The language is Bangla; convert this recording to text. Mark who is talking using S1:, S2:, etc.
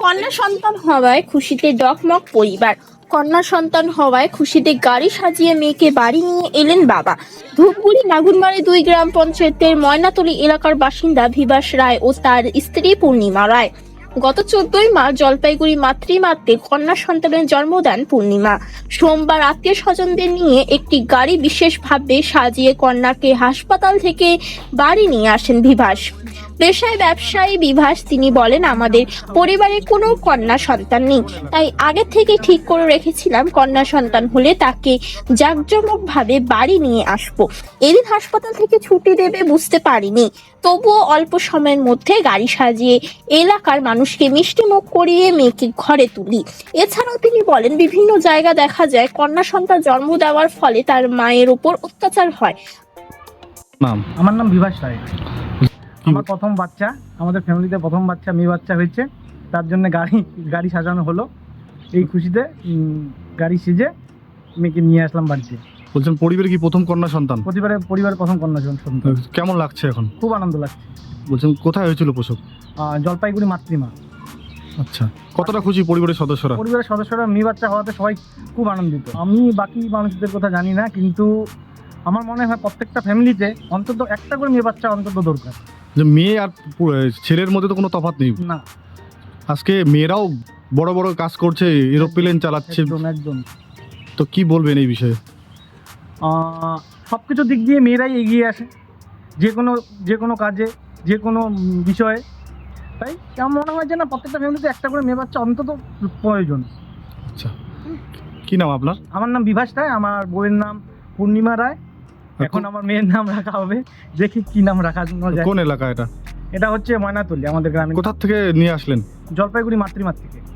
S1: কন্যা সন্তান হওয়ায় খুশিতে ডগমগ পরিবার। কন্যা সন্তান হওয়ায় খুশিতে গাড়ি সাজিয়ে মেয়েকে বাড়ি নিয়ে এলেন বাবা। ধূপগুড়ি নাগুরমারি 2 গ্রাম পঞ্চায়েতের ময়নাতলী এলাকার বাসিন্দা বিভাস রায় ও তার স্ত্রী পূর্ণিমা রায়। গত 14ই মার্চ জলপাইগুড়ি মাতৃমাতে কন্যা সন্তানের জন্ম দেন পূর্ণিমা। সোমবার আত্মীয় স্বজনদের নিয়ে একটি গাড়ি বিশেষভাবে সাজিয়ে কন্যাকে হাসপাতাল থেকে বাড়ি নিয়ে আসেন বিভাস। পেশায় ব্যবসায়ী বিভাস, তিনি বলেন, আমাদের পরিবারে কোনো কন্যা সন্তান নেই, তাই আগে থেকে ঠিক করে রেখেছিলাম কন্যা সন্তান হলে তাকে জাঁকজমকভাবে বাড়ি নিয়ে আসবো। এদিন হাসপাতাল থেকে ছুটি দেবে বুঝতে পারিনি, তবুও অল্প সময়ের মধ্যে গাড়ি সাজিয়ে এলাকার মানুষকে মিষ্টি মুখ করিয়ে মেয়েকে ঘরে তুলি। এছাড়াও তিনি বলেন, বিভিন্ন জায়গা দেখা যায় কন্যা সন্তান জন্ম দেওয়ার ফলে তার মায়ের উপর অত্যাচার হয়।
S2: আমার নাম বিভাস রায়। আমার প্রথম বাচ্চা, আমাদের ফ্যামিলিতে প্রথম বাচ্চা মেয়ে বাচ্চা হয়েছে, তার জন্য গাড়ি সাজানো হলো। এই খুশিতে গাড়ি সেজে মেয়েকে নিয়ে আসলাম বাড়িতে।
S3: বলছেন পরিবারে কি প্রথম কন্যা সন্তান?
S2: পরিবারের প্রথম কন্যা সন্তান।
S3: কেমন লাগছে এখন?
S2: খুব আনন্দ লাগছে।
S3: বলছেন কোথায় হয়েছিল প্রসব?
S2: জলপাইগুড়ি মাতৃমা।
S3: আচ্ছা, কতটা খুশি পরিবারের সদস্যরা?
S2: মেয়ে বাচ্চা হওয়াতে সবাই খুব আনন্দিত। আমি বাকি মানুষদের কথা জানি না, কিন্তু আমার মনে হয় প্রত্যেকটা ফ্যামিলিতে অন্তত একটা করে মেয়ে বাচ্চা অন্তত দরকার।
S3: যে মেয়ে আর ছেলের মধ্যে তো কোনো তফাৎ নেই
S2: না।
S3: আজকে মেয়েরাও বড় বড় কাজ করছে, এরোপ্লেন চালাচ্ছে।
S2: একদম।
S3: তো কি বলবেন এই বিষয়ে?
S2: সব কিছু দিক দিয়ে মেয়েরাই এগিয়ে আসে, যে কোনো কাজে, যে কোনো বিষয়ে। তাই আমার মনে হয় যে না, প্রত্যেকটা ফ্যামিলিতে একটা করে মেয়ে বাচ্চা অন্তত প্রয়োজন।
S3: আচ্ছা, কি নাম আপনার?
S2: আমার নাম বিভাস রায়, আমার বউয়ের নাম পূর্ণিমা রায়। এখন আমার মেয়ের নাম রাখা হবে, দেখি কি নাম রাখা যায়।
S3: কোন এলাকা এটা?
S2: এটা হচ্ছে ময়নাতলী, আমাদের গ্রামে।
S3: কোথা থেকে নিয়ে আসলেন?
S2: জলপাইগুড়ি মাতৃমাত থেকে।